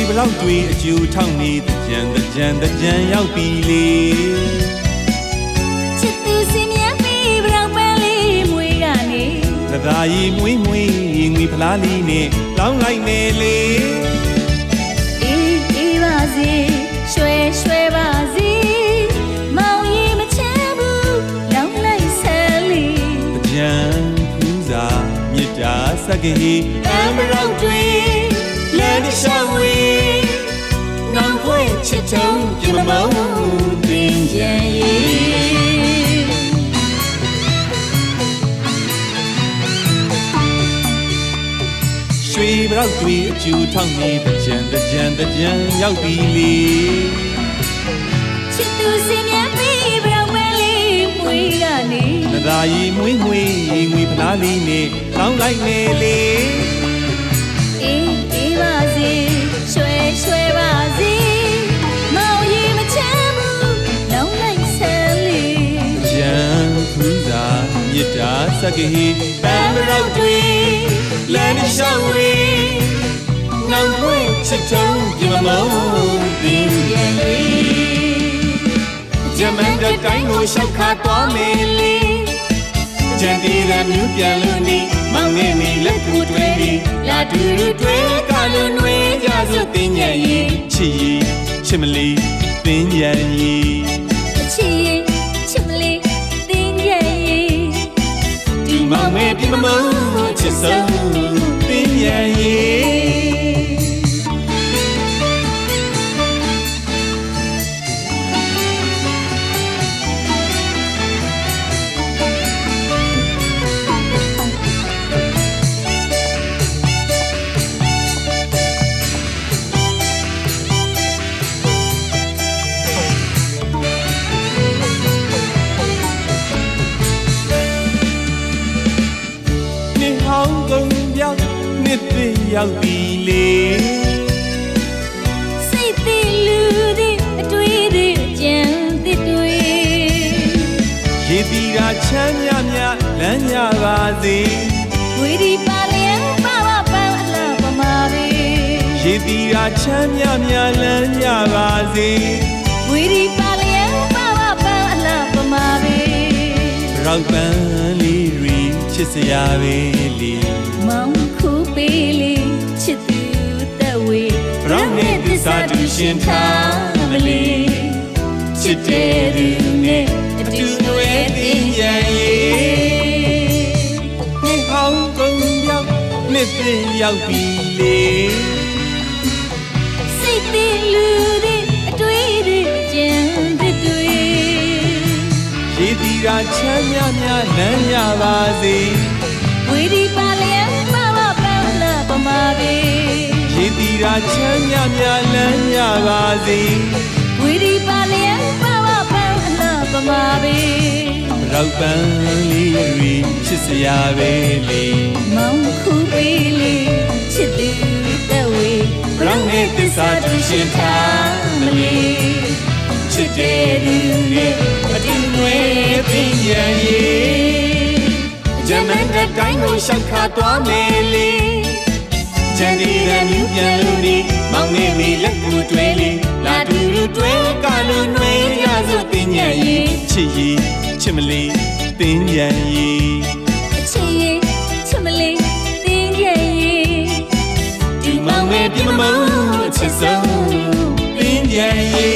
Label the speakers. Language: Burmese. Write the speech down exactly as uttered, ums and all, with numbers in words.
Speaker 1: ဘလောက်တွေအကျူထောက်နေတကြံတကြံတကြံရောက်ပြီလေ
Speaker 2: ချစ်သူစင်မြတ်ပြီးဘလောက်ပန်းလေးမွေးကနေ
Speaker 1: သသာရီမွေးမွေးငွေဖလားလေးနဲ့လောင်းလိုက်နေလေ
Speaker 2: အေးအေးပါစေရွှဲရွှဲပါစေမောင်ရီမချမ်းဘူးလောင်းလိုက်ဆယ်လေး
Speaker 1: တကြံဖူးစာမြစ်တာစက္ကဟီ
Speaker 2: အမ်ဘရောက်တွေလမ်းတစ်လျှောက်ဝေးနောင်ဖွင့်ချစ်ထုံးပြမမောင်းပင်ကြံရေး
Speaker 1: ရွှေဘလောက်တွေအကျူထောက်နေတကြံတကြံတကြံရောက်ပြီလေ
Speaker 2: ချစ်သူစင်မြတ်ပြီးဘလောက်ပန်းလေးမွေးကနေ
Speaker 1: သသာရီမွေးမွေးငွေဖလားလေးနဲ့လောင်းလိုက်နေလေ
Speaker 2: အေးအေးပါစေရွှဲရွှဲပါစေမောင်ရီမချမ်းဘူးလောင်းလိုက်ဆယ်လေး
Speaker 1: ကြံဖူးစာမြစ်တာစက္ကဟီ
Speaker 2: ပန်းဘရောက်တွေလမ်းတစ်လျှောက်ဝေးနောင်ဖွင့်ချစ်ထုံးပြမမောင်းပင်ကြံရေး
Speaker 1: ဂျမန်တဲ့တိုင်းကိုရှောက်ခါသွားမေးလေကြံတီရမျိုးပြန်လို့နေမောင်နေနေလက်ကူတွဲပြီး
Speaker 2: လာတူတူတွဲကလုံးနှွေးကြစို့တင်ညံရေး
Speaker 1: ချစ်ရီချစ်မလီတင်ညံရေး
Speaker 2: ချစ်ရီချစ်မလီတင်ညံရေး
Speaker 1: ဒီမောင်မဲပြမမောင်းချစ်ဆုံးတင်ညံရေးနှစ်သိရောက်ပြီလေ
Speaker 2: စိတ်သိလူသည်အတွေ့သည်ကြံသစ်တွေ
Speaker 1: ရေတီတာချမ်းမြမြလမ်းညပါစေ
Speaker 2: ဝီဒီပါလျံပါပါပန်းအလားပမာပဲ
Speaker 1: ရေတီတာချမ်းမြမြလမ်းညပါစေ
Speaker 2: ဝီဒီပါလျံပါပါပန်းအလားပမာပဲ
Speaker 1: ရောက်ပန်းလေးရီချစ်စရာပဲလေ
Speaker 2: မောင်ခုပေးလေချစ်သူသက်ဝေး
Speaker 1: ရောင်းနေသစ္စာတူရှင်ထားမလီချစ်တဲ့သူနဲ့အတူတွဲတင်ရရေးနှစ်ဟောင်းကုန်ရောက်နှစ်သိရောက်ပြီလေ
Speaker 2: စိတ်သိလူသည်အတွေ့သည်ကြံသစ်တွေ
Speaker 1: ရေတီတာချမ်းမြမြလမ်းရပါစေ
Speaker 2: ဝီဒီပါလျံပါပါပန်းလာပမာပဲ
Speaker 1: ရေတီတာချမ်းမြမြလမ်းရပါစေ
Speaker 2: ဝီဒီပါလျံပါပါပန်းလာပမာပဲ
Speaker 1: ရောက်ပန်းလေးရီချစ်စရာပဲလေ
Speaker 2: မောင်ခုပေးလေချစ်သူသက်ဝေး
Speaker 1: ရောင်းနေသစ္စာတူရှင်ထားမလီချစ်တဲ့သူနဲ့အတူတွဲတင်ရရေးဂျမန်တဲ့တိုင်းကိုရှောက်ခါသွားမယ်လေကြံဒီရမျိုးပြန်လို့နေမောင်နေနေလက်ကူတွဲလေလာတူတူတွဲကလုံးနှွေးရစို့တင်ညံရေးချစ်ရီချစ်မလီတင်ညံရေး
Speaker 2: ချစ်ရီချစ်မလီတင်ညံရေး
Speaker 1: ဒီမောင်မဲပြမမောင်းချစ်ဆုံးတင်ညံရေး